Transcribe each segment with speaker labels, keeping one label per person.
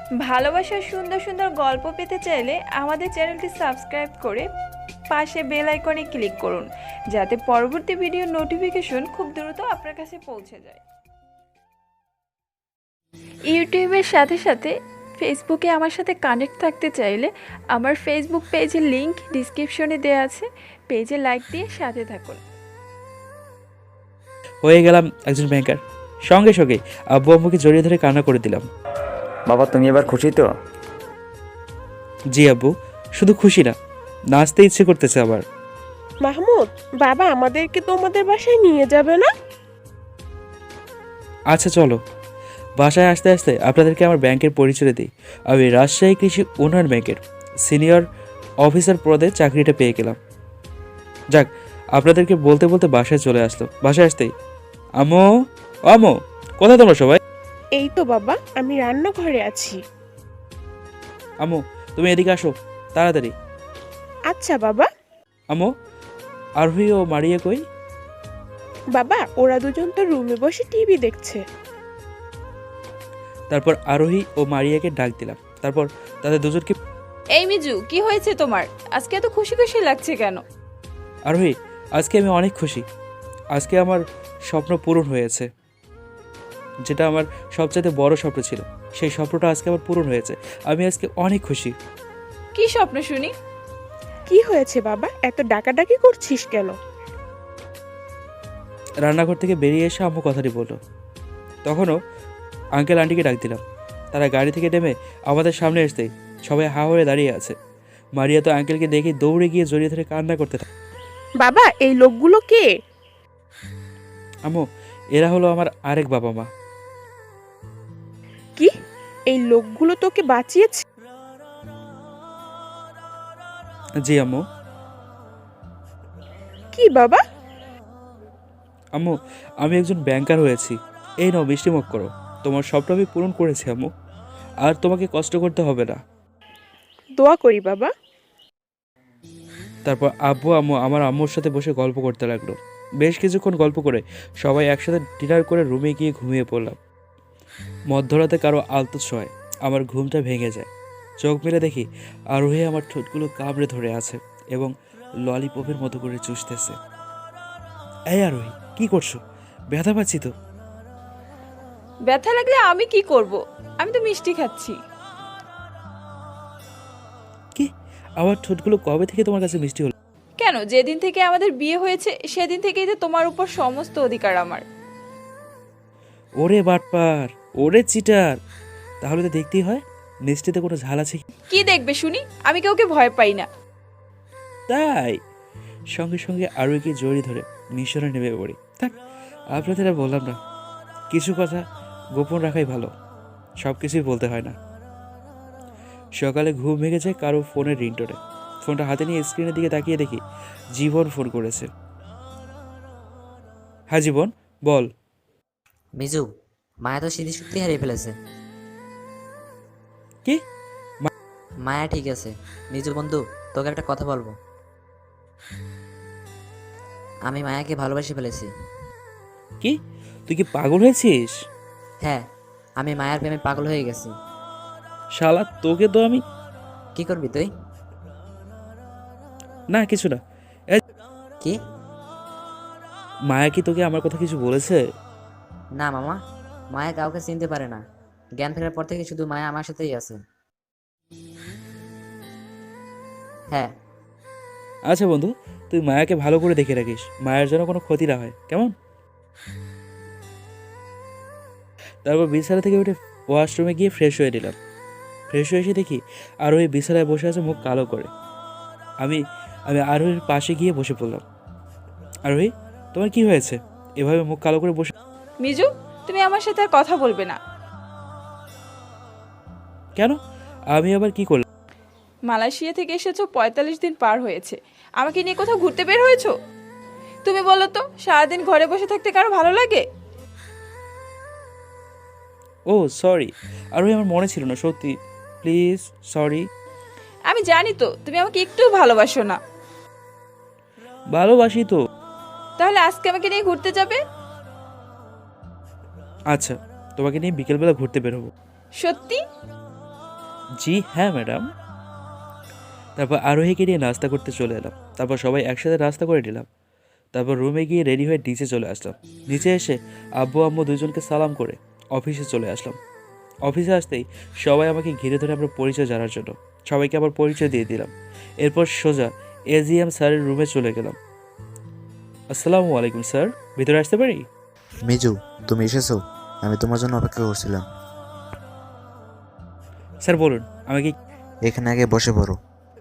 Speaker 1: ভালোবাসার সুন্দর সুন্দর গল্প পেতে চাইলে আমাদের চ্যানেলটি সাবস্ক্রাইব করে পাশে বেল আইকনে ক্লিক করুন, যাতে পরবর্তী ভিডিওর নোটিফিকেশন খুব দ্রুত আপনার কাছে পৌঁছে যায়। ইউটিউবের সাথে সাথে ফেসবুকে আমার সাথে কানেক্ট থাকতে চাইলে আমার ফেসবুক পেজের লিংক ডিসক্রিপশনে দেওয়া আছে, পেজে লাইক দিয়ে সাথে থাকুন।
Speaker 2: হয়ে গেলাম একজন ব্যাংকার। সঙ্গে সঙ্গে আব্বু আম্মুকে জড়িয়ে ধরে কান্না করে দিলাম।
Speaker 3: বাবা তুমি এবার খুশি তো?
Speaker 2: জি আব্বু, শুধু খুশি না, নাচতে ইচ্ছে করতেছে আবার।
Speaker 4: মাহমুদ, বাবা আমাদেরকে তোমাদের বাসায় নিয়ে যাবে না?
Speaker 2: আচ্ছা চলো। বাসায় আসতে আসতে আপনাদেরকে আমার ব্যাংকের পরিচয় দিই। আমি রাজশাহী কৃষি উন্নয়ন ব্যাংকের সিনিয়র অফিসার পদে চাকরিটা পেয়ে গেলাম। যাক, আপনাদেরকে বলতে বলতে বাসায় চলে আসলো। বাসায় আসতেই আম্মু, আম্মু কোথায় তোমরা সবাই?
Speaker 4: এই তো বাবা, আমি রান্নাঘরে আছি।
Speaker 2: আম্মু তুমি এদিকে আসো তাড়াতাড়ি।
Speaker 4: আচ্ছা বাবা।
Speaker 2: আম্মু, আরোহী ও মারিয়া কই?
Speaker 4: বাবা ওরা দুজন তো রুমে বসে টিভি দেখছে।
Speaker 2: তারপর আরোহী ও মারিয়াকে ডাক দিলাম। তারপর তাদের দুজনকে,
Speaker 1: এই মিজু, কি হয়েছে তোমার? আজকে এত খুশি খুশি লাগছে কেন?
Speaker 2: আরোহী আজকে আমি অনেক খুশি। আজকে আমার স্বপ্ন পূরণ হয়েছে, যেটা আমার সবচেয়ে বড় স্বপ্ন ছিল, সেই স্বপ্নটা আজকে আমার পূরণ হয়েছে। আমি আজকে অনেক খুশি।
Speaker 1: কি স্বপ্ন শুনি?
Speaker 4: কি হয়েছে বাবা, এত ডাকাডাকি করছিস কেন?
Speaker 2: রান্নাঘর থেকে বেরিয়ে এসে আম্মু কথাটি বলল। তখনও আঙ্কেল আন্টিকে ডাক দিলাম। তারা গাড়ি থেকে নেমে আমাদের সামনে আসতেই সবাই হা হয়ে দাঁড়িয়ে আছে। মারিয়া তো আঙ্কেলকে দেখে দৌড়ে গিয়ে জড়িয়ে ধরে কান্না করতে থাকে।
Speaker 4: বাবা এই লোকগুলো কে?
Speaker 2: আম্মু, এরা হলো আমার আরেক বাবা মা।
Speaker 4: কি, এই লোকগুলো তোকে বাঁচিয়েছে?
Speaker 2: জি আম্মু।
Speaker 4: কি বাবা?
Speaker 2: আম্মু, আমি একজন ব্যাংকার হয়েছি। এই নাও মিষ্টিমুখ করো। তোমার স্বপ্ন আমি পূরণ করেছি আম্মু, আর তোমাকে কষ্ট করতে হবে না।
Speaker 4: দোয়া করি বাবা।
Speaker 2: তারপর আব্বু আম্মু আমার আম্মুর সাথে বসে গল্প করতে লাগলো। বেশ কিছুক্ষণ গল্প করে সবাই একসাথে ডিনার করে রুমে গিয়ে ঘুমিয়ে পড়লাম। মধ্যরাতে কারো আলতো ছোঁয়ায় আমার ঘুমটা ভেঙে যায়। চোখ মেলে দেখি আরোহী আমার ঠোঁটগুলো কামড়ে ধরে আছে এবং ললিপপের মতো করে চুষতেছে। এই আরোহী, কি করছো? ব্যথা পাচ্ছি তো।
Speaker 1: ব্যথা লাগলে আমি কি করব? আমি তো মিষ্টি খাচ্ছি।
Speaker 2: কি, আমার ঠোঁটগুলো কবে থেকে তোমার কাছে মিষ্টি হলো?
Speaker 1: কেন, যেদিন থেকে আমাদের বিয়ে হয়েছে সেদিন থেকেই তো তোমার উপর সমস্ত অধিকার আমার।
Speaker 2: ওরে বাটপার, ওরে চিটার, তাহলে তো দেখতেই হয় মিষ্টিতে কোনো ঝাল আছে কি?
Speaker 1: কি দেখবে শুনি? আমি কাউকে ভয় পাই না।
Speaker 2: তাই সঙ্গে সঙ্গে আরোহীকে জড়িয়ে ধরে মিশনে নেমে পড়ি। থাক, আপনাদের আর বললাম না, কিছু কথা গোপন রাখাই ভালো, সব কিছুই বলতে হয় না। সকালে ঘুম ভেঙে যায় কারো ফোনের রিংটোনে। ফোনটা হাতে নিয়ে স্ক্রিনের দিকে তাকিয়ে দেখি জীবন ফোন করেছে। হ্যাঁ জীবন, বল।
Speaker 5: মিজু, মায়া তো স্মৃতিশক্তি হারিয়ে ফেলেছে।
Speaker 2: কি?
Speaker 5: মায়া ঠিক আছে। মিজু বন্ধু, তোকে একটা কথা বলবো। আমি মায়াকে ভালোবেসে ফেলেছি।
Speaker 2: কি, তুই কি পাগল হয়েছিস?
Speaker 5: হ্যাঁ, আমি মায়ার প্রেমে পাগল হয়ে গেছি।
Speaker 2: শালা, তোকে তো আমি।
Speaker 5: কি করবি তুই?
Speaker 2: না কিছু না।
Speaker 5: কি?
Speaker 2: মায়া কি তোকে আমার কথা কিছু বলেছে?
Speaker 5: না মামা, মায়া কাউকে চিনতে পারে না। জ্ঞান ফেরার পর থেকে শুধু মায়া আমার সাথেই আছে। হ্যাঁ।
Speaker 2: আচ্ছা বন্ধু, তুই মায়াকে ভালো করে দেখে রাখিস, মায়ের যেন কোনো ক্ষতি না হয়, কেমন? তারপর বিছানা থেকে উঠে ওয়াশরুমে গিয়ে ফ্রেশ হয়ে নিলাম। ফ্রেশ হয়ে এসে দেখি আরোহী বিছানায় বসে আছে মুখ কালো করে। আমি আমি আরোহীর পাশে গিয়ে বসে পড়লাম। আরোহী, তোমার কি হয়েছে? এভাবে মুখ কালো করে বসে
Speaker 1: মিজু, তুমি আমার সাথে আর কথা বলবে না।
Speaker 2: কেন? আমি আবার কি করলাম?
Speaker 1: মালয়েশিয়া থেকে এসেছো, ৪৫ দিন পার হয়েছে। আমাকে নিয়ে কোথাও ঘুরতে বের হয়েছো? তুমি বলো তো, সারাদিন ঘরে বসে থাকতে কারো ভালো লাগে?
Speaker 2: ও সরি আরোহী, আমার মনে ছিল না, সত্যি প্লিজ সরি।
Speaker 1: আমি জানি তো তুমি আমাকে একটু ভালোবাসো না।
Speaker 2: ভালোবাসি তো।
Speaker 1: তাহলে আজকে আমাকে নিয়ে ঘুরতে যাবে?
Speaker 2: আচ্ছা, তোমাকে নিয়ে বিকেলবেলা ঘুরতে বেরোবো।
Speaker 1: সত্যি?
Speaker 2: জি হ্যাঁ ম্যাডাম। তারপর আরোহীকে নিয়ে নাস্তা করতে চলে এলাম। তারপর সবাই একসাথে নাস্তা করে নিলাম। তারপর রুমে গিয়ে রেডি হয়ে নিচে চলে আসলাম। নিচে এসে আব্বু আম্মু দুজনকে সালাম করে অফিসে চলে আসলাম। অফিসে আসতেই সবাই আমাকে ঘিরে ধরে আমার পরিচয় জানার জন্য সবাইকে আবার পরিচয় দিয়ে দিলাম। এরপর সোজা এজিএম স্যারের রুমে চলে গেলাম। আসসালামু আলাইকুম স্যার, ভিতরে আসতে পারি?
Speaker 6: মিজু, তুমি এসেছো? আমি তোমার জন্য অপেক্ষা করছিলাম।
Speaker 2: স্যার বলুন, আমাকে।
Speaker 6: এখানে আগে বসে পড়ো।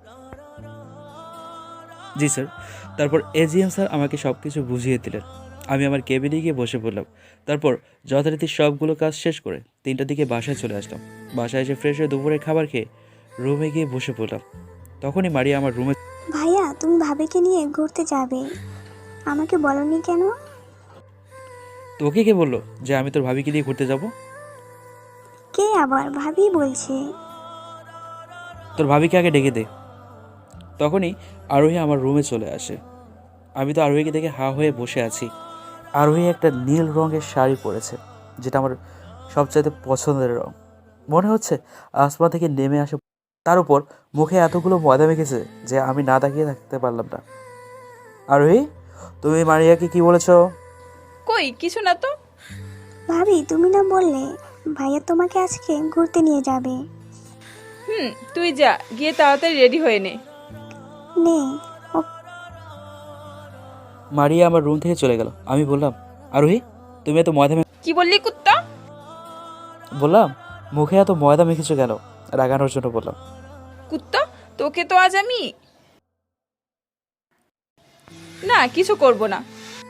Speaker 2: জি স্যার। তারপর এজিএম স্যার আমাকে সব কিছু বুঝিয়ে দিলেন। আমি আমার কেবিনে গিয়ে বসে পড়লাম। তারপর যথারীতি সবগুলো কাজ শেষ করে 3টার দিকে বাসায় চলে আসলাম। বাসায় এসে ফ্রেশ হয়ে দুপুরে খাবার খেয়ে রুমে গিয়ে বসে পড়লাম। তখনই মারিয়া আমার রুমে।
Speaker 7: ভাইয়া তুমি ভাবিকে নিয়ে ঘুরতে যাবে, আমাকে বলনি কেন?
Speaker 2: তোকে কে বললো যে আমি তোর ভাবিকে নিয়ে ঘুরতে যাব?
Speaker 7: কে আবার ভাবি বলছে?
Speaker 2: তোর ভাবিকে আগে ডেকে দে। তখনই আরোহী আমার রুমে চলে আসে। আমি তো আরোহীকে দেখে হা হয়ে বসে আছি। আরোহী একটা নীল রঙের শাড়ি পরেছে, যেটা আমার সবচাইতে পছন্দের রং। মনে হচ্ছে আসমান থেকে নেমে আসে। তার উপর মুখে এতগুলো ময়দা মেখেছে যে আমি না তাকিয়ে থাকতে পারলাম না। আরোহী, তুমি মারিয়াকে কি বলেছো?
Speaker 1: কই কিছু না তো।
Speaker 7: ভাবি তুমি না বললে ভাইয়া তোমাকে আজকে ঘুরতে নিয়ে যাবে?
Speaker 1: তুই যা, গিয়ে তাড়াতাড়ি রেডি হয়ে নে।
Speaker 7: নে। ও
Speaker 2: মারিয়া আমার রুম থেকে চলে গেল। আমি বললাম, আরোহী তুমি এত ময়দা
Speaker 1: কি বললি কুত্তা?
Speaker 2: বললাম, মুখে এত ময়দা মেখেছো কেন? রাগানোর জন্য বললাম।
Speaker 1: কুত্তা, তোকে তো আজ আমি না কিছু করব না।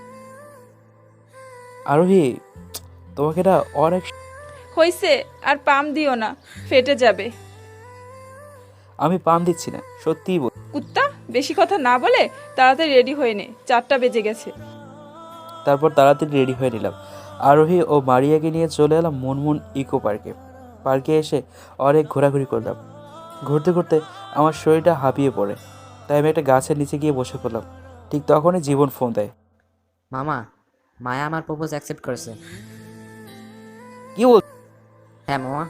Speaker 2: আরোহী, তোমাকে এটা অনেক।
Speaker 1: হইছে, আর পাম দিও না, ফেটে যাবে।
Speaker 2: আমি পাম দিচ্ছি না, সত্যিই বল।
Speaker 1: কুত্তা, বেশি কথা না বলে তাড়াতাড়ি রেডি হয়ে নে, 4টা বেজে গেছে।
Speaker 2: তারপর তাড়াতাড়ি রেডি হয়ে নিলাম। আরোহী ও মারিয়াকে নিয়ে চলে এলাম মুনমুন ইকো পার্কে। পার্কে এসে অনেক ঘোরাঘুরি করলাম। ঘুরতে ঘুরতে আমার শরীরটা হাঁপিয়ে পড়ে, তাই আমি একটা গাছের নিচে গিয়ে বসে পড়লাম। ঠিক তখনই জীবন ফোন দেয়।
Speaker 5: মামা, মায়া আমার প্রপোজ অ্যাকসেপ্ট করেছে।
Speaker 2: কি বল?
Speaker 5: হ্যাঁ মামা।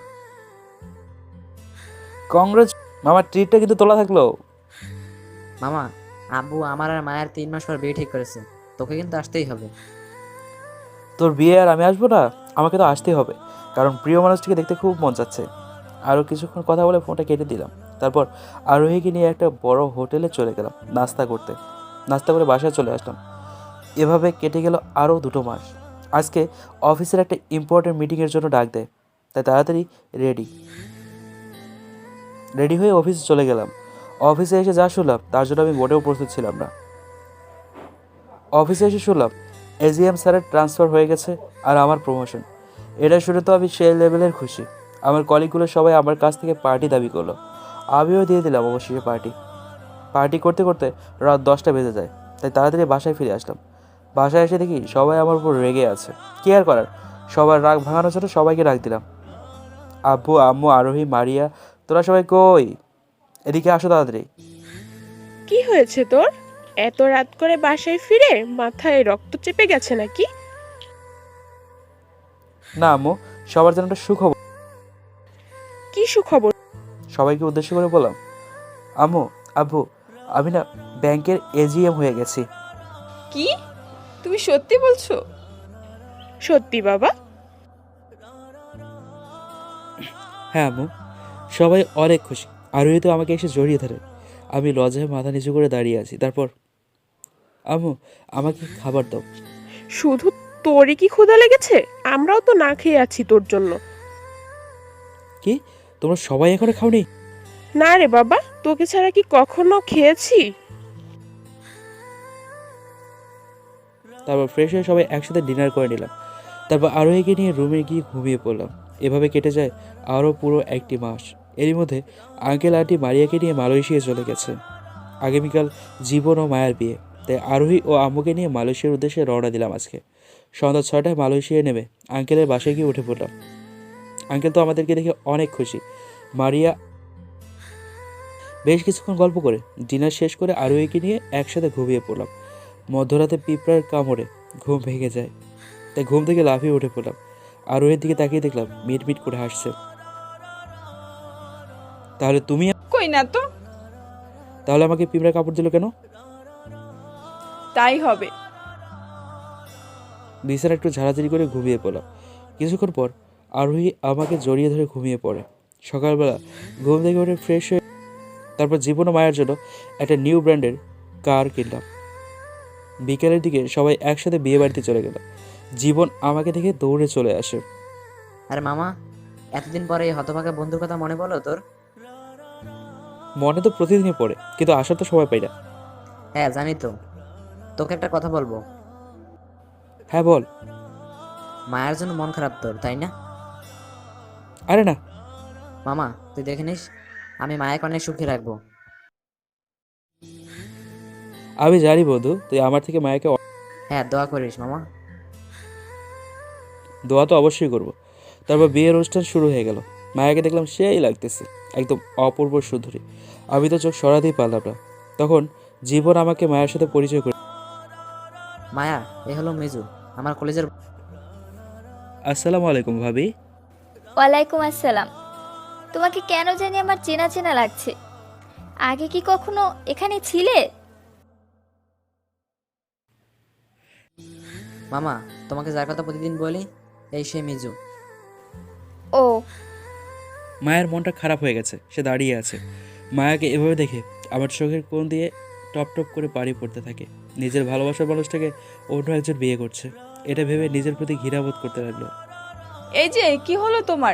Speaker 2: কংগ্রেস মামার ট্রিটটা কিন্তু তোলা থাকলো।
Speaker 5: মামা, আব্বু আমার আর মায়ের 3 মাস পর বিয়ে ঠিক করেছে, তোকে কিন্তু আসতেই হবে।
Speaker 2: তোর বিয়ে আর আমি আসবো না? আমাকে তো আসতেই হবে, কারণ প্রিয় মানুষটিকে দেখতে খুব মন চাচ্ছে। আরও কিছুক্ষণ কথা বলে ফোনটা কেটে দিলাম। তারপর আরোহীকে নিয়ে একটা বড় হোটেলে চলে গেলাম নাস্তা করতে। নাস্তা করে বাসায় চলে আসলাম। এভাবে কেটে গেল আরও 2 মাস। আজকে অফিসের একটা ইম্পর্টেন্ট মিটিংয়ের জন্য ডাক দেয়, তাই তাড়াতাড়ি রেডি হয়ে অফিসে চলে গেলাম। অফিসে এসে যা শুনলাম তার জন্য আমি মোটেও প্রস্তুত ছিলাম না। অফিসে এসে শুনলাম এজিএম স্যারের ট্রান্সফার হয়ে গেছে আর আমার প্রমোশন। এটা শুনে তো আমি সেই লেভেলের খুশি। আমার কলিগগুলো সবাই আমার কাছ থেকে পার্টি দাবি করলো। আমিও দিয়ে দিলাম অবশ্যই পার্টি করতে করতে রাত 10টা বেজে যায়, তাই তাড়াতাড়ি বাসায় ফিরে আসলাম। বাসায় এসে দেখি সবাই আমার উপর রেগে আছে। কি আর করার, সবার রাগ ভাঙানোর জন্য সবাইকে ডাক দিলাম। আব্বু আম্মু আরোহী মারিয়া, তোরা সবাই কই? এদিকে আসো তাড়াতাড়ি।
Speaker 4: কি হয়েছে তোর? এত রাত করে বাসায় ফিরে মাথায় রক্ত চেপে গেছে নাকি?
Speaker 2: না আম্মু, সবার জন্য একটা সুখবর।
Speaker 4: কি সুখবর?
Speaker 2: সবাইকে উদ্দেশ্য করে বললাম, আম্মু আব্বু, আমি না ব্যাংকের এজিএম হয়ে গেছি।
Speaker 1: কি, তুমি সত্যি বলছো?
Speaker 4: সত্যি বাবা?
Speaker 2: হ্যাঁ আম্মু, সবাই অনেক খুশি। আরোহী তো আমাকে এসে জড়িয়ে ধরে। আমি লজ্জায় মাথা নিচু করে দাঁড়িয়ে আছি। তারপর, আম্মু আমাকে খাবার দাও।
Speaker 4: শুধু তোরই কি ক্ষুধা লেগেছে? আমরাও তো না খেয়ে আছি তোর জন্য।
Speaker 2: কি, তোমরা সবাই এখনো খাওনি?
Speaker 4: না রে বাবা, তোকে ছাড়া কি কখনো খেয়েছি?
Speaker 2: তারপর ফ্রেশ হয়ে সবাই একসাথে ডিনার করে নিলাম। তারপর আরোহীকে নিয়ে রুমে গিয়ে ঘুমিয়ে পড়লাম। এভাবে কেটে যায় আরও পুরো 1টি মাস। এরই মধ্যে আঙ্কেল আন্টি মারিয়াকে নিয়ে মালয়েশিয়া চলে গেছে। আগামীকাল জীবন ও মায়ের বিয়ে, তাই আরোহী ও আম্মুকে নিয়ে মালয়েশিয়ার উদ্দেশ্যে রওনা দিলাম আজকে। সন্ধ্যা 6টায় মালয়েশিয়ায় নেমে আঙ্কেলের বাসায় গিয়ে উঠে পড়লাম। আঙ্কেল তো আমাদেরকে দেখে অনেক খুশি। মারিয়া বেশ কিছুক্ষণ গল্প করে ডিনার শেষ করে আরোহীকে নিয়ে একসাথে ঘুমিয়ে পড়লাম। মধ্যরাতে পিঁপড়ার কামড়ে ঘুম ভেঙে যায়, তাই ঘুম থেকে লাফিয়ে উঠে পড়লাম। আরোহীর দিকে তাকিয়ে দেখলাম মিটমিট করে হাসছে। তাহলে তুমি
Speaker 1: কই না তো।
Speaker 2: তাহলে আমাকে পিঁপড়া কাপড় দিল কেন?
Speaker 1: তাই হবে।
Speaker 2: বিছানা একটু ঝাড়াঝাড়ি করে ঘুমিয়ে পড়লাম। কিছুক্ষণ পর আরোহী আমাকে জড়িয়ে ধরে ঘুমিয়ে পড়ে। সকালবেলা ঘুম থেকে উঠে ফ্রেশ হয়ে তারপর জীবন ও মায়ের জন্য একটা নিউ ব্র্যান্ডের কার কিনলাম। বিকেলের দিকে সবাই একসাথে বিয়ে বাড়িতে চলে গেল। জীবন আমাকে দেখে দৌড়ে চলে আসে।
Speaker 5: আরে মামা, এতদিন পরে এই হতভাগা বন্ধুর কথা মনে পড়লো তোর?
Speaker 2: মনে তো প্রতিদিনই পড়ে, কিন্তু আসার তো সময় পাই না।
Speaker 5: হ্যাঁ জানি তো। তোকে একটা কথা বলবো।
Speaker 2: হ্যাঁ বল।
Speaker 5: মায়ের জন্য মন খারাপ তোর, তাই না?
Speaker 2: আরে না।
Speaker 5: মামা তুই দেখে নিস, আমি মায়াকে অনেক সুখী রাখবো।
Speaker 2: আমি জানি বন্ধু, তুই আমার থেকে মায়াকে
Speaker 5: হ্যাঁ দোয়া করিস মামা।
Speaker 2: দোয়া তো অবশ্যই করব। তারপর বিয়ের অনুষ্ঠান শুরু হয়ে গেল। মায়াকে দেখলাম সেই লাগতেছে, একদম অপূর্ব সুন্দরী। আমি তো চোখ সরাতেই পারলাম না। তখন জীবন আমাকে মায়ের সাথে পরিচয় করে।
Speaker 5: মায়া, এ হলো মিজু, আমার কলেজের।
Speaker 2: আসসালামু আলাইকুম ভাবি।
Speaker 8: ওয়ালাইকুম আসসালাম। তোমাকে কেন জানি আমার চেনা চেনা লাগছে। আগে কি কখনো এখানে ছিলে?
Speaker 5: মামা, তোমাকে যার কথা প্রতিদিন বলি, এই সে মিজু।
Speaker 8: ও,
Speaker 2: মায়ের মনটা খারাপ হয়ে গেছে, সে দাঁড়িয়ে আছে। মায়াকে এভাবে দেখে আমার চোখের কোণ দিয়ে টপ টপ করে পানি পড়তে থাকে। নিজের ভালোবাসার মানুষটাকে অন্য একজন বিয়ে করছে, এটা ভেবে নিজের প্রতি ঘৃণাবোধ করতে লাগলো।
Speaker 1: এই যে কি হলো তোমার?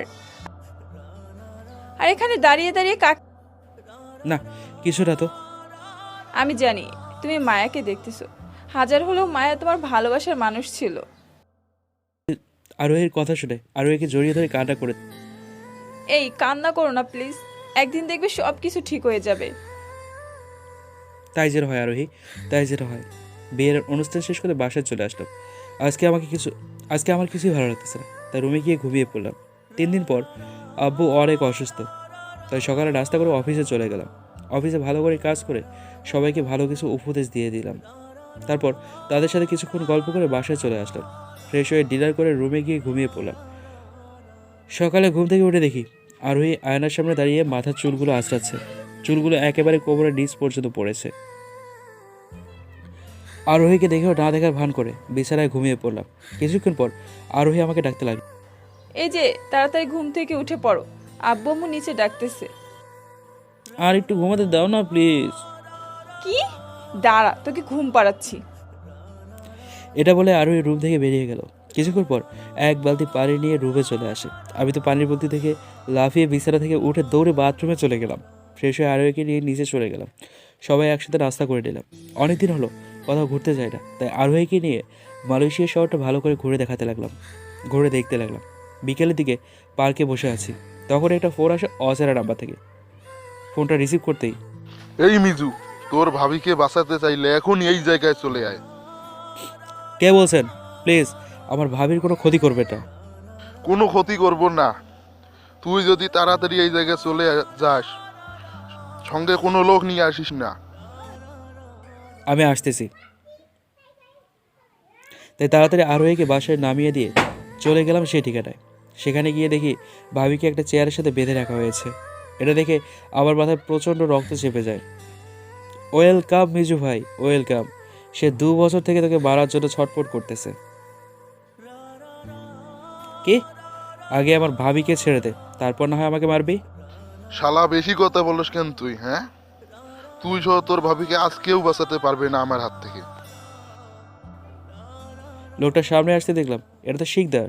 Speaker 1: আর এখানে দাঁড়িয়ে দাঁড়িয়ে কাক।
Speaker 2: না, কিছু না তো।
Speaker 1: আমি জানি তুমি মায়াকে দেখতেছো। হাজার হলেও মায়া তোমার ভালোবাসার মানুষ ছিল।
Speaker 2: আরোহীর কথা শুনে আরোহীকে জড়িয়ে ধরে কান্না করে।
Speaker 1: এই কান্না করো না প্লিজ, একদিন দেখবে সব কিছু ঠিক হয়ে যাবে।
Speaker 2: তাই যেটা হয় আরোহী, তাই যেটা হয়। বিয়ের অনুষ্ঠান শেষ করে বাসায় চলে আসলাম। আজকে আমার কিছুই ভালো লাগতেছে না, তাই রুমে গিয়ে ঘুমিয়ে পড়লাম। 3 দিন পর আব্বু অনেক অসুস্থ, তাই সকালে নাস্তা করে অফিসে চলে গেলাম। অফিসে ভালো করে কাজ করে সবাইকে ভালো কিছু উপদেশ দিয়ে দিলাম। তারপর তাদের সাথে কিছুক্ষণ গল্প করে বাসায় চলে আসলাম। ফ্রেশ হয়ে ডিনার করে রুমে গিয়ে ঘুমিয়ে পড়লাম। সকালে ঘুম থেকে উঠে দেখি আরোহী আয়নার সামনে দাঁড়িয়ে মাথার চুলগুলো আঁচড়াচ্ছে। চুলগুলো একেবারে কোমরের নিচ পর্যন্ত পড়েছে। আরোহীকে দেখেও না দেখার ভান করে বিছানায় ঘুমিয়ে পড়লাম। কিছুক্ষণ পর আরোহী আমাকে ডাকতে লাগলো।
Speaker 1: এই যে তাড়াতাড়ি ঘুম থেকে উঠে পড়ো, আব্বু আম্মু নিচে ডাকতেছে।
Speaker 2: আর একটু ঘুমাতে দাও না প্লিজ।
Speaker 1: কি? দাঁড়া, তোকে ঘুম পাড়াচ্ছি।
Speaker 2: এটা বলে আরোহী রুম থেকে বেরিয়ে গেল। কিছুক্ষণ পর এক বালতি পানি নিয়ে রুমে চলে আসে। আমি তো পানির বালতি থেকে লাফিয়ে বিছানা থেকে উঠে দৌড়ে বাথরুমে চলে গেলাম। ফ্রেশ হয়ে আরোহীকে নিয়ে নিচে চলে গেলাম। সবাই একসাথে নাস্তা করে নিলাম। অনেকদিন হলো কোথাও ঘুরতে যাই না, তাই আরোহীকে নিয়ে মালয়েশিয়া শহরটা ভালো করে ঘুরে দেখতে লাগলাম। বিকেলের দিকে পার্কে বসে আছি, তখন একটা ফোন আসে অচেনা নাম্বার থেকে। ফোনটা রিসিভ করতেই,
Speaker 9: এই মিজু, তোর ভাবিকে বাঁচাতে চাইলে এখনই এই জায়গায় চলে আয়।
Speaker 2: কে বলছেন? প্লিজ আমার ভাবির কোনো ক্ষতি করবে না।
Speaker 9: কোনো ক্ষতি করব না। তুই যদি তাড়াতাড়ি এই জায়গায় চলে যাস, সঙ্গে কোনো লোক নিয়ে আসিস না।
Speaker 2: আমি আসতেছি। তাই তাড়াতাড়ি আরোহীকে বাসায় নামিয়ে দিয়ে চলে গেলাম সেই ঠিকানায়। সেখানে গিয়ে দেখি ভাবিকে একটা চেয়ারের সাথে বেঁধে রাখা হয়েছে। এটা দেখে আমার মাথায় প্রচণ্ড রক্ত চেপে যায়। ওয়েলকাম মিজু ভাই, ওয়েলকাম। সে 2 বছর থেকে তোকে মারার জন্য ছটফট করতেছে। কি? আগে আমার ভাবিকে ছেড়ে দে, তারপর না হয় আমাকে মারবি।
Speaker 9: শালা বেশি কথা বলিস কেন তুই? হ্যাঁ, তুই সহ তোর ভাবিকে আজ কেউ বাঁচাতে পারবে না আমার হাত থেকে।
Speaker 2: লোকটা সামনে আসতে দেখলাম, এটা তো শিকদার।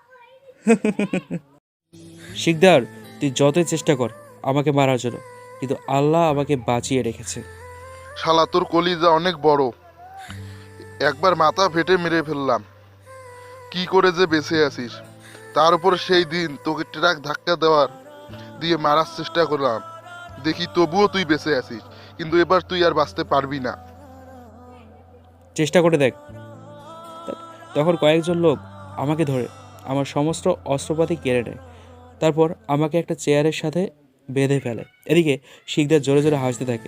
Speaker 2: শিকদার, তুই যতই চেষ্টা কর আমাকে মারার জন্য, কিন্তু আল্লাহ আমাকে বাঁচিয়ে রেখেছে।
Speaker 9: শালা তোর কলিজা অনেক বড়, একবার মাথা ফেটে মেরে ফেললাম, কি করে যে বেঁচে আছিস। তার উপর সেই দিন তোকে ট্রাক ধাক্কা দিয়ে মারার চেষ্টা করলাম, দেখি তবুও তুই বেঁচে আছিস, কিন্তু এবার তুই আর বাঁচতে পারবি না।
Speaker 2: চেষ্টা করে দেখ। তখন কয়েকজন লোক আমাকে ধরে আমার সমস্ত অস্ত্রপাতি কেড়ে নেয়। তারপর আমাকে একটা চেয়ারের সাথে বেঁধে ফেলে। এদিকে শিকদার জোরে জোরে হাসতে থাকে।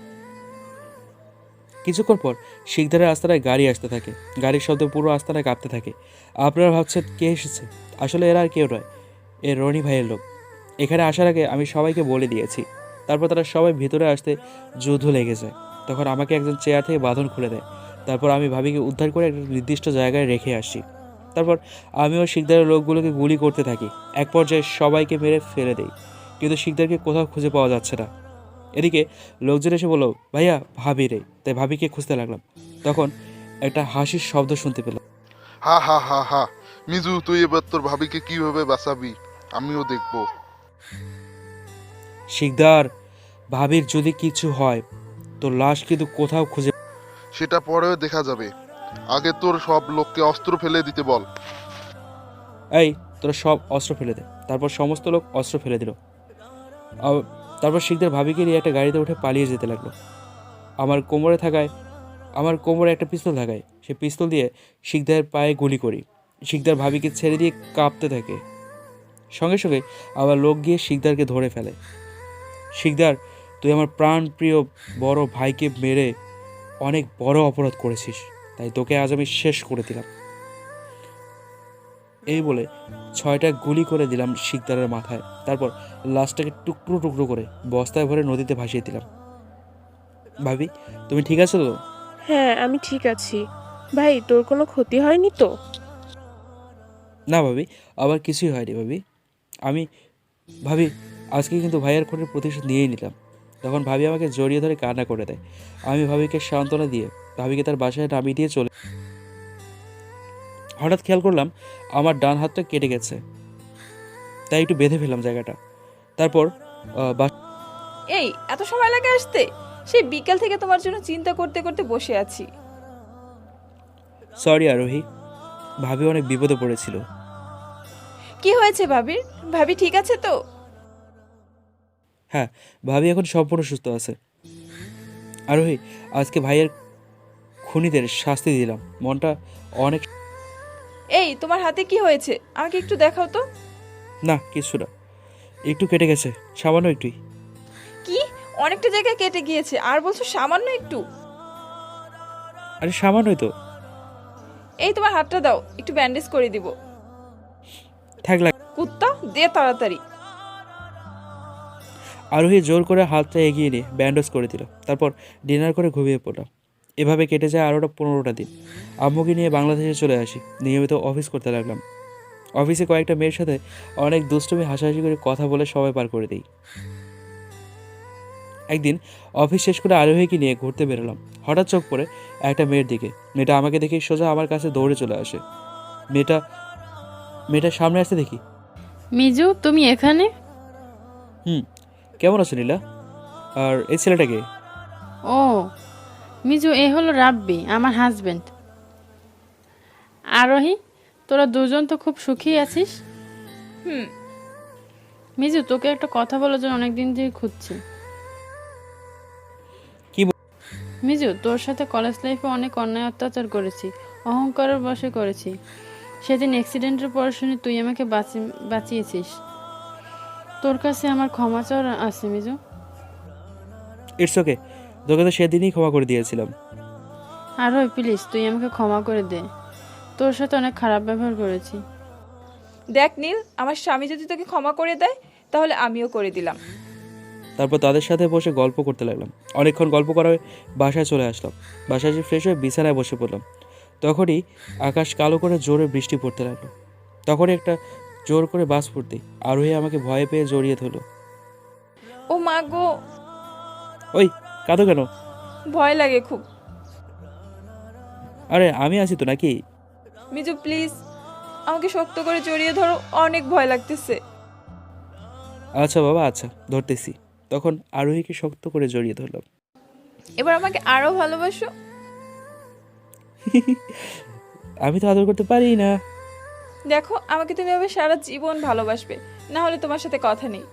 Speaker 2: কিছুক্ষণ পর শিকদারের আস্তানায় গাড়ি আসতে থাকে। গাড়ির শব্দে পুরো আস্তানায় কাঁপতে থাকে। আপনারা ভাবছেন কে এসেছে? আসলে এরা আর কেউ নয়, এ রনি ভাইয়ের লোক। এখানে আসার আগে আমি সবাইকে বলে দিয়েছি। তারপর তারা সবাই ভিতরে আসতে যুদ্ধ লেগে যায়। তখন আমাকে একজন চেয়ার থেকে বাঁধন খুলে দেয়। তারপর আমি ভাবিকে উদ্ধার করে একটা নির্দিষ্ট জায়গায় রেখে আসি। তারপর আমিও শিকদারের লোকগুলোকে গুলি করতে থাকি। এক পর্যায়ে সবাইকে মেরে ফেলে দেই, কিন্তু শিকদারকে কোথাও খুঁজে পাওয়া যাচ্ছে না। এদিকে লোকজন এসে বলল, ভাইয়া ভাবি রে। তাই ভাবিকে খুঁজতে লাগলাম। তখন একটা হাসির শব্দ শুনতে পেলাম।
Speaker 9: হা হা হা হা, মিজু তুই এবার তোর ভাবিকে কিভাবে বাঁচাবি আমিও দেখবো।
Speaker 2: শিকদার, ভাবির যদি কিছু হয় তোর লাশ কিন্তু কোথাও খুঁজে।
Speaker 9: সেটা পরেও দেখা যাবে, আগে তোর সব লোককে অস্ত্র ফেলে দিতে বল।
Speaker 2: এই তোরা সব অস্ত্র ফেলে দে। তারপর সমস্ত লোক অস্ত্র ফেলে দিল। তারপর শিকদার ভাবিকে নিয়ে একটা গাড়িতে উঠে পালিয়ে যেতে লাগলো। আমার কোমরে একটা পিস্তল থাকায় সে পিস্তল দিয়ে শিকদারের পায়ে গুলি করি। শিকদার ভাবিকে ছেড়ে দিয়ে কাঁপতে থাকে। সঙ্গে সঙ্গে আবার লোক গিয়ে শিকদারকে ধরে ফেলে। শিকদার, তুই আমার প্রাণ প্রিয় বড় ভাইকে মেরে অনেক বড় অপরাধ করেছিস, তাই তোকে আজ আমি শেষ করে দিলাম। এই বলে 6টা গুলি করে দিলাম শিকদারের মাথায়। তারপর লাশটাকে টুকরো টুকরো করে বস্তায় ভরে নদীতে ভাসিয়ে দিলাম। ভাবি, তুমি ঠিক আছো তো?
Speaker 4: হ্যাঁ, আমি ঠিক আছি। ভাই, তোর কোনো ক্ষতি হয়নি তো?
Speaker 2: না ভাবি, আবার কিছুই হয়নি ভাবি। ভাবি, আজকে কিন্তু ভাইয়ের খুনের প্রতিশোধ নিয়েই নিলাম। তখন ভাবি আমাকে জড়িয়ে ধরে কান্না করে দেয়। আমি ভাবিকে সান্ত্বনা দিয়ে ভাবিকে তার বাসায় নামিয়ে দিয়ে চলে। হঠাৎ খেয়াল করলাম আমার ডান হাতটা কেটে গেছে, তাই একটু বেঁধে ফেললাম জায়গাটা। তারপর
Speaker 1: এই এত সময় লাগে আসতে? সেই বিকেল থেকে তোমার জন্য চিন্তা করতে করতে বসে আছি।
Speaker 2: সরি আরোহী, ভাবি অনেক বিপদে পড়েছিল।
Speaker 1: কি হয়েছে ভাবির? ভাবি ঠিক আছে তো?
Speaker 2: হ্যাঁ, ভাবি এখন সম্পূর্ণ সুস্থ আছে। আরোহী, আজকে ভাইয়ের খুনিদের শাস্তি দিলাম। মনটা অনেক।
Speaker 1: এই তোমার হাতে কি হয়েছে? আমাকে একটু দেখাও তো।
Speaker 2: না, কিছু না, একটু কেটে গেছে, সামান্য একটুই।
Speaker 1: কি? অনেকটা জায়গায় কেটে গিয়েছে আর বলছো সামান্য একটু?
Speaker 2: আরে সামান্যই তো।
Speaker 1: এই তোমার হাতটা দাও, একটু ব্যান্ডেজ করে দিব।
Speaker 2: থাক লাগ।
Speaker 1: কুত্তা দে তাড়াতাড়ি।
Speaker 2: আরোহী জোর করে হাতটা এগিয়ে নিয়ে ব্যান্ডেজ করে দিল। তারপর ডিনার করে ঘুমিয়ে পড়লাম। এভাবে কেটে যায় আরও 15টা দিন। আম্মুকে নিয়ে বাংলাদেশে চলে আসি। নিয়মিত অফিস করতে লাগলাম। অফিসে কয়েকটা মেয়ের সাথে অনেক দুষ্টুমি হাসাহাসি করে কথা বলে সময় পার করে দিই। একদিন অফিস শেষ করে আরোহীকে নিয়ে ঘুরতে বেরোলাম। হঠাৎ চোখ পড়ে একটা মেয়ের দিকে। মেয়েটা আমাকে দেখে সোজা আমার কাছে দৌড়ে চলে আসে। মেয়েটার সামনে আসতে দেখি।
Speaker 10: মিজু, তুমি এখানে?
Speaker 2: কেমন আছো নীলা? আর এই ছেলেটাকে?
Speaker 10: ও মিজু, এ হলো রাব্বি, আমার হাজবেন্ড। আরোহী, তোরা দুজন তো খুব সুখী আছিস।
Speaker 1: হুম।
Speaker 10: মিজু, তোকে একটা কথা বলার জন্য অনেকদিন ধরে খুঁজছি।
Speaker 2: কি
Speaker 10: মিজু, তোর সাথে কলেজ লাইফে অনেক অন্যায় অত্যাচার করেছি, অহংকারের বশে করেছি। সেদিন অ্যাক্সিডেন্টের পর শুনে তুই আমাকে বাঁচিয়েছিস। তোর কাছে আমার ক্ষমা চাওয়ার আছে মিজু।
Speaker 2: ইটস ওকে, তোকে তো সেদিনই ক্ষমা করে দিয়েছিলাম।
Speaker 10: আরোহী প্লিজ, তুই আমাকে ক্ষমা করে দে। তোর সাথে অনেক খারাপ ব্যবহার করেছি।
Speaker 1: দেখ নীল, আমার স্বামী যদি তোকে ক্ষমা করে দেয় তাহলে আমিও করে দিলাম।
Speaker 2: তারপর তাদের সাথে বসে গল্প করতে লাগলাম। অনেকক্ষণ গল্প করায় বাসায় চলে আসলাম। বাসায় এসে ফ্রেশ হয়ে বিছানায় বসে পড়লাম। তখনই আকাশ কালো করে জোরে বৃষ্টি পড়তে লাগলো। তখনই একটা জোর করে বাস পড়তেই আরোহী আমাকে ভয়ে পেয়ে জড়িয়ে ধরলো।
Speaker 1: ও মা গো!
Speaker 2: ওই, কাঁদো কেন?
Speaker 1: ভয় লাগে খুব।
Speaker 2: আরে আমি আছি তো নাকি?
Speaker 1: মিজু প্লিজ আমাকে শক্ত করে জড়িয়ে ধরো, অনেক ভয় লাগতেছে।
Speaker 2: আচ্ছা বাবা, আচ্ছা ধরতেছি। তখন আরোহীকে শক্ত করে জড়িয়ে ধরলাম।
Speaker 1: এবার আমাকে আরো ভালোবাসো।
Speaker 2: আমি তো আদর করতে পারি না।
Speaker 1: দেখো, আমাকে তুমি এবার সারা জীবন ভালোবাসবে, না হলে তোমার সাথে কথা নেই।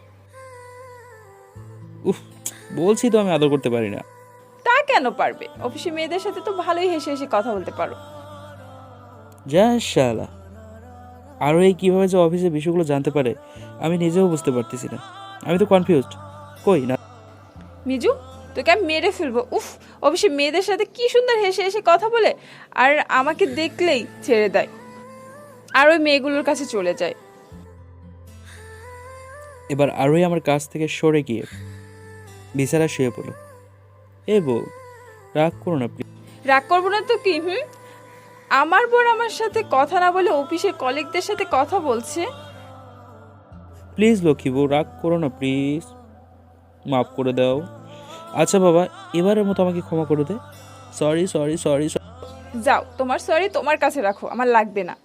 Speaker 2: উফ, বলছি তো আমি আদর করতে পারি না।
Speaker 1: তা কেন পারবে? অফিসে মেয়েদের সাথে তো ভালোই হেসে হেসে কথা বলতে পারো।
Speaker 2: যা শালা, আরোহী কিভাবে যে অফিসে বিষয়গুলো জানতে পারে আমি নিজেও বুঝতে পারতেছি না। আমি তো কনফিউজড। কই না
Speaker 1: মিজু, তোকে আমি মেরে ফেলবো। উফ, অফিসে মেয়েদের সাথে কি সুন্দর হেসে হেসে কথা বলে, আর আমাকে দেখলেই ছেড়ে দেয় আর ওই মেয়েগুলোর কাছে চলে যায়।
Speaker 2: এবার আরোহী আমার কাছ থেকে সরে গিয়ে বিছানা শুয়ে পড়ল। এ বউ, রাগ করো না প্লিজ।
Speaker 1: রাগ করবো না তো কি? আমার বোন আমার সাথে কথা না বলে অফিসের কলিগদের সাথে কথা বলছে।
Speaker 2: প্লিজ লক্ষ্মী বউ, রাগ করো না প্লিজ, মাফ করে দাও। আচ্ছা বাবা, এবারের মতো আমাকে ক্ষমা করে দে। Sorry sorry sorry.
Speaker 1: যাও, তোমার সরি তোমার কাছে রাখো, আমার লাগবে না।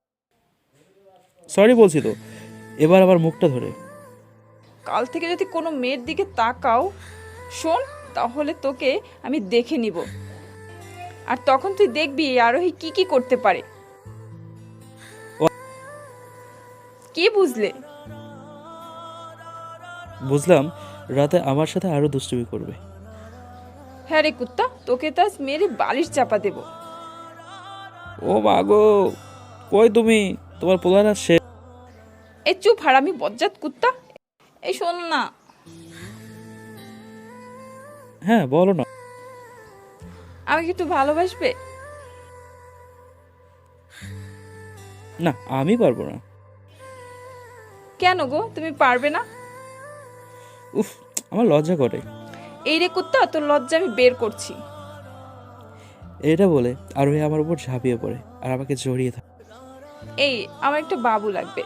Speaker 2: সরি বলছি তো, এবার আমার মুখটা ধরে।
Speaker 1: কাল থেকে যদি কোনো মেয়ের দিকে তাকাও শোন, তাহলে তোকে আমি দেখে নিব, আর তখন তুই দেখবি এই আরোহী কি কি করতে পারে। কি বুঝলে?
Speaker 2: বুঝলাম রাতে আমার সাথে আরো দুষ্টুমি করবে।
Speaker 1: হ্যাঁ রে কুত্তা, তোকে তো আজ মেরে বালিশ চাপা দেব।
Speaker 2: ও মা গো, কই তুমি? তোমার পোলার সে।
Speaker 1: এই চুপ হারামি বজ্জাত কুত্তা, এই শোন না।
Speaker 2: হ্যাঁ বলো না।
Speaker 1: আমাকে একটু ভালোবাসবে?
Speaker 2: না, আমি পারবো না।
Speaker 1: কেন গো, তুমি পারবে না?
Speaker 2: উফ, আমার লজ্জা করে।
Speaker 1: এই রে কুত্তা, তোর লজ্জা আমি বের করছি।
Speaker 2: এটা বলে আরোহী আমার উপর ঝাঁপিয়ে পড়ে আর আমাকে জড়িয়ে থাকে।
Speaker 1: এই, আমার একটা বাবু লাগবে।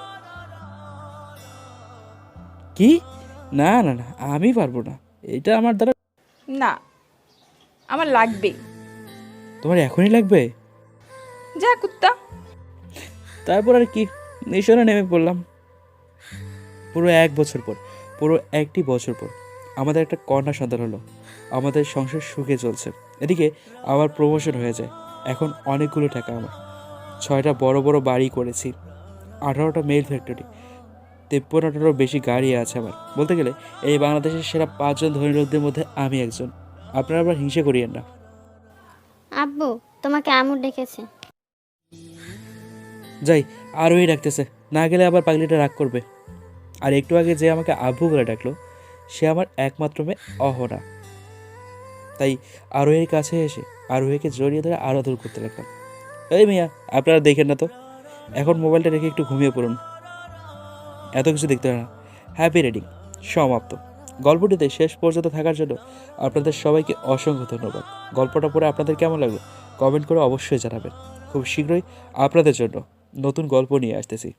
Speaker 2: কি? না না না, আমি পারবো না, এটা আমার দ্বারা।
Speaker 1: না, আমার লাগবেই।
Speaker 2: তোমার এখনই লাগবে?
Speaker 1: যা কুত্তা।
Speaker 2: তারপর আর কি, মিশনে নেমে পড়লাম। পুরো 1 বছর পর, পুরো 1টি বছর পর আমাদের একটা কন্যা সন্তান হলো। আমাদের সংসার সুখে চলছে। এদিকে আমার প্রমোশন হয়ে যায়। এখন অনেকগুলো টাকা আমার। 6টা বড় বড় বাড়ি করেছি, 18টা মেল ফ্যাক্টরি, 53টারও বেশি গাড়ি আছে আমার। বলতে গেলে এই বাংলাদেশের সেরা 5 জন ধনী লোকদের মধ্যে আমি একজন। আপনারা আবার হিংসে করিয়েন না।
Speaker 11: আব্বু, তোমাকে আমু ডেকেছে।
Speaker 2: যাই, আরোই ডাকতেছে, না গেলে আবার পাগলিটা রাগ করবে। আর একটু আগে যে আমাকে আব্বু বলে ডাকলো, সে আমার একমাত্র মেয়ে অহনা। তাই আরোহীর কাছে এসে আরোহীকে জড়িয়ে ধরে আরো দূর করতে লাগলাম। এই মিয়া, আপনারা দেখেন না তো, এখন মোবাইলটা রেখে একটু ঘুমিয়ে পড়ুন, এত কিছু দেখতে হয় না। হ্যাপি রিডিং সমাপ্ত। গল্পটিতে শেষ পর্যন্ত থাকার জন্য আপনাদের সবাইকে অসংখ্য ধন্যবাদ। গল্পটা পড়ে আপনাদের কেমন লাগলো কমেন্ট করে অবশ্যই জানাবেন। খুব শীঘ্রই আপনাদের জন্য নতুন গল্প নিয়ে আসতেছি।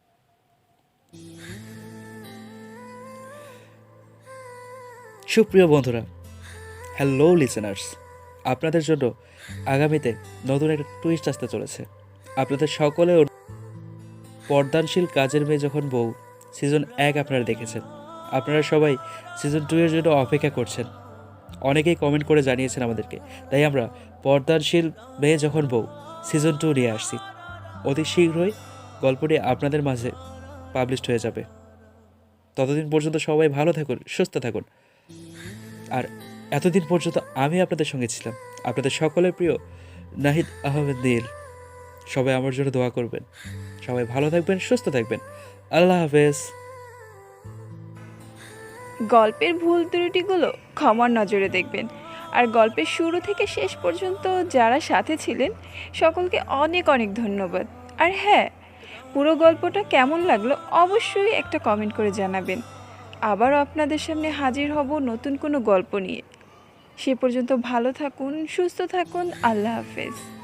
Speaker 2: সুপ্রিয় বন্ধুরা, হ্যালো লিসেনার্স, আপনাদের জন্য আগামীতে নতুন একটা টুইস্ট আসতে চলেছে। আপনাদের সকলে পর্দানশীল কাজের মেয়ে যখন বউ সিজন 1 আপনারা দেখেছেন। আপনারা সবাই সিজন 2 এর জন্য অপেক্ষা করছেন। অনেকেই কমেন্ট করে জানিয়েছেন আমাদেরকে। তাই আমরা পর্দানশীল মেয়ে যখন বউ সিজন 2 নিয়ে আসছি। অতি শীঘ্রই গল্পটি আপনাদের মাঝে পাবলিশড হয়ে যাবে। ততদিন পর্যন্ত সবাই ভালো থাকুন, সুস্থ থাকুন। আর এতদিন পর্যন্ত আমি আপনাদের সঙ্গে ছিলাম, আপনাদের সকলের প্রিয় নাহিদ আহমেদ নীল। সবাই আমার জন্য দোয়া করবেন। সবাই ভালো থাকবেন, সুস্থ থাকবেন। আল্লাহ হাফেজ।
Speaker 1: গল্পের ভুল ত্রুটিগুলো ক্ষমার নজরে দেখবেন। আর গল্পের শুরু থেকে শেষ পর্যন্ত যারা সাথে ছিলেন সকলকে অনেক অনেক ধন্যবাদ। আর হ্যাঁ, পুরো গল্পটা কেমন লাগলো অবশ্যই একটা কমেন্ট করে জানাবেন। আবারও আপনাদের সামনে হাজির হব নতুন কোনো গল্প নিয়ে। সে পর্যন্ত ভালো থাকুন, সুস্থ থাকুন। আল্লাহ হাফেজ।